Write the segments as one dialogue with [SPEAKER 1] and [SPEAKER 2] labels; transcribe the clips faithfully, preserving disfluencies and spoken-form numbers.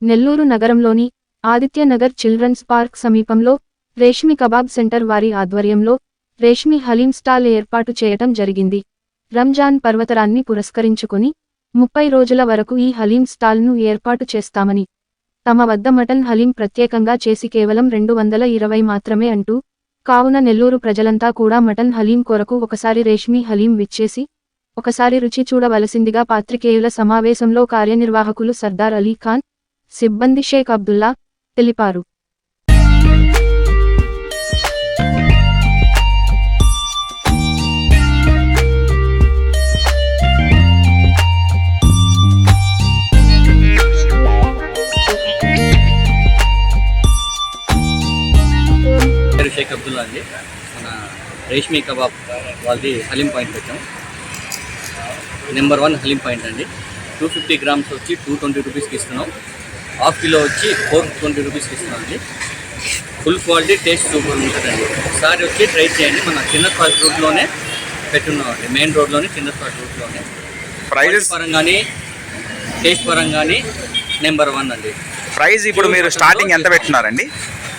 [SPEAKER 1] నెల్లూరు నగరంలోని Aditya Nagar children's park సమీపంలో Reshmi kebab centre వారి ఆధ్వర్యంలో రేష్మి హలీం స్టాల్ ఏర్పాటు చేయటం జరిగింది. రంజాన్ పర్వతరాన్ని పురస్కరించుకుని ముప్పై రోజుల వరకు ఈ హలీం స్టాల్ను ఏర్పాటు చేస్తామని, తమ వద్ద మటన్ హలీం ప్రత్యేకంగా చేసి కేవలం రెండు వందల ఇరవై మాత్రమే అంటూ, కావున నెల్లూరు ప్రజలంతా కూడా మటన్ హలీం కొరకు ఒకసారి రేష్మి హలీం విచ్చేసి ఒకసారి రుచి చూడవలసిందిగా పాత్రికేయుల సమావేశంలో కార్యనిర్వాహకులు సర్దార్ అలీ ఖాన్, సిబ్బంది షేక్ అబ్దుల్లా తెలిపారు.
[SPEAKER 2] షేక్ అబ్దుల్లా అండి. మన రేష్మి కబాబ్ వాళ్ళది హలీం పాయింట్ పెట్టాం. నెంబర్ వన్ హలీం పాయింట్ అండి. టూ ఫిఫ్టీ గ్రామ్స్ వచ్చి టూ ట్వంటీ రూపీస్కి ఇస్తున్నాం. హాఫ్ కిలో వచ్చి ఫోర్ ట్వంటీ రూపీస్కి ఇస్తున్నాం అండి. ఫుల్ క్వాలిటీ, టేస్ట్ సూపర్ ఉంటుందండి. ఒకసారి వచ్చి ట్రై చేయండి. మన చిన్నస్పాట్ రూట్లోనే పెట్టున్నాం అండి. మెయిన్ రోడ్లోనే చిన్నస్పాట్ రూట్లోనే. ప్రైజెస్ పరంగానే టేస్ట్ పరంగానే నెంబర్ వన్ అండి.
[SPEAKER 3] ప్రైస్ ఇప్పుడు మీరు స్టార్టింగ్ ఎంత పెట్టినారండి?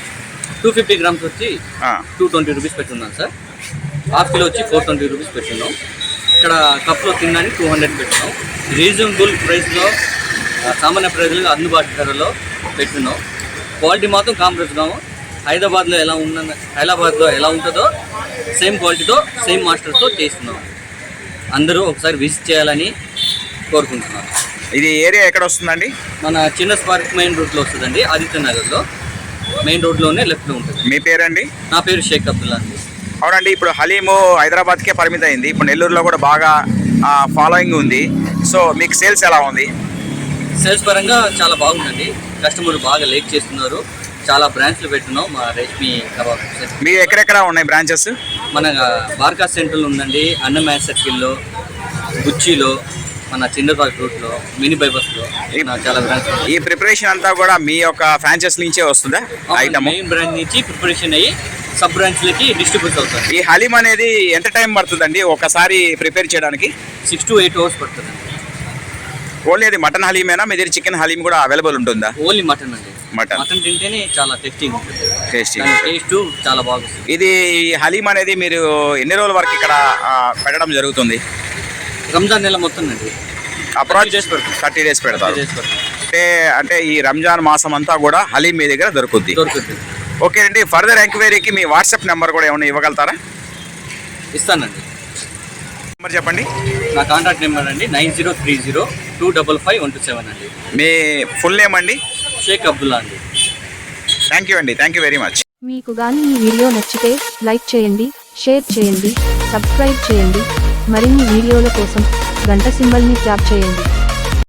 [SPEAKER 2] టూ ఫిఫ్టీ గ్రామ్స్ వచ్చి టూ ట్వంటీ రూపీస్ పెట్టున్నాం సార్. హాఫ్ కిలో వచ్చి ఫోర్ ట్వంటీ రూపీస్ పెట్టున్నాం. ఇక్కడ కప్లో తినడానికి టూ హండ్రెడ్ పెట్టున్నాం. రీజనబుల్ ప్రైస్లో, సామాన్య ప్రజలకు అందుబాటు ధరలో పెట్టున్నాం. క్వాలిటీ మాత్రం కాంప్రమైజ్. హైదరాబాద్లో ఎలా ఉన్న హైదరాబాద్లో ఎలా ఉంటుందో సేమ్ క్వాలిటీతో, సేమ్ మాస్టర్తో చేస్తున్నాం. అందరూ ఒకసారి విజిట్ చేయాలని కోరుకుంటున్నాను.
[SPEAKER 3] ఇది ఏరియా ఎక్కడ వస్తుందండి?
[SPEAKER 2] మన చిన్న స్పార్క్ మెయిన్ రూట్లో వస్తుందండి. ఆదిత్య నగర్లో మెయిన్ రోడ్లోనే లెఫ్ట్లో ఉంటుంది.
[SPEAKER 3] మీ పేరండి?
[SPEAKER 2] నా పేరు షేక్ అబ్దుల్లా అండి.
[SPEAKER 3] అవునండి. ఇప్పుడు హలీము హైదరాబాద్కే పరిమితం అయింది. ఇప్పుడు నెల్లూరులో కూడా బాగా ఫాలోయింగ్ ఉంది. సో మీకు సేల్స్ ఎలా ఉంది?
[SPEAKER 2] సేల్స్ పరంగా చాలా బాగుందండి. కస్టమర్ బాగా లైక్ చేస్తున్నారు. చాలా బ్రాంచ్లు పెట్టున్నాం మా రేష్మి కబాబ్.
[SPEAKER 3] మీ ఎక్కడెక్కడ ఉన్నాయి బ్రాంచెస్?
[SPEAKER 2] మన బార్కా సెంటర్లో ఉందండి, అన్నమయ్య సర్కిల్లో, గుచ్చిలో, మన చిన్నపార్క్ రూట్లో, మినీ బైపాస్లో చాలా బ్రాంచ్.
[SPEAKER 3] ఈ ప్రిపరేషన్ అంతా కూడా మీ యొక్క ఫ్రాంచైజ్ నుంచే వస్తుందా? ఐటమ్
[SPEAKER 2] మెయిన్ బ్రాంచ్ నుంచి ప్రిపరేషన్ అయ్యి సబ్ బ్రాంచ్లకి డిస్ట్రిబ్యూట్ అవుతుంది.
[SPEAKER 3] ఈ హలీం అనేది ఎంత టైం పడుతుందండి ఒకసారి ప్రిపేర్ చేయడానికి?
[SPEAKER 2] సిక్స్ టు ఎయిట్ అవర్స్ పడుతుంది.
[SPEAKER 3] ఓన్లీ అది మటన్ హలీమేనా? మీ దగ్గర చికెన్ హలీం కూడా అవైలబుల్ ఉంటుందా?
[SPEAKER 2] ఓన్లీ మటన్ అండి.
[SPEAKER 3] మటన్
[SPEAKER 2] మటన్ తింటేనే చాలా టేస్టింగ్ ఉంటుంది.
[SPEAKER 3] టేస్టింగ్
[SPEAKER 2] టేస్ట్ చాలా బాగుంటుంది.
[SPEAKER 3] ఇది హలీం అనేది మీరు ఎన్ని రోజుల వరకు ఇక్కడ పెట్టడం జరుగుతుంది?
[SPEAKER 2] రంజాన్ నెల మొత్తం అండి.
[SPEAKER 3] అప్రాక్స్ డేస్ పెడతారు. థర్టీ డేస్ పెడతారు. అంటే అంటే ఈ రంజాన్ మాసం అంతా కూడా హలీం మీ దగ్గర దొరుకుద్ది.
[SPEAKER 2] దొరుకుతుంది.
[SPEAKER 3] ఓకే అండి. ఫర్దర్ ఎంక్వైరీకి మీ వాట్సాప్ నెంబర్ కూడా ఏమైనా ఇవ్వగలుగుతారా?
[SPEAKER 2] ఇస్తానండి.
[SPEAKER 3] నెంబర్ చెప్పండి.
[SPEAKER 2] నా కాంటాక్ట్ నెంబర్ అండి nine zero three zero two double five one two seven అండి.
[SPEAKER 3] మీ ఫుల్ నేమ్ అండి?
[SPEAKER 2] షేక్ అబ్దుల్లా అండి.
[SPEAKER 3] థ్యాంక్ యూ అండి. Thank you very much.
[SPEAKER 1] మీకు కానీ ఈ వీడియో నచ్చితే లైక్ చేయండి, షేర్ చేయండి, సబ్స్క్రైబ్ చేయండి. మరిన్ని వీడియోల కోసం గంట సింబల్ని ట్యాప్ చేయండి.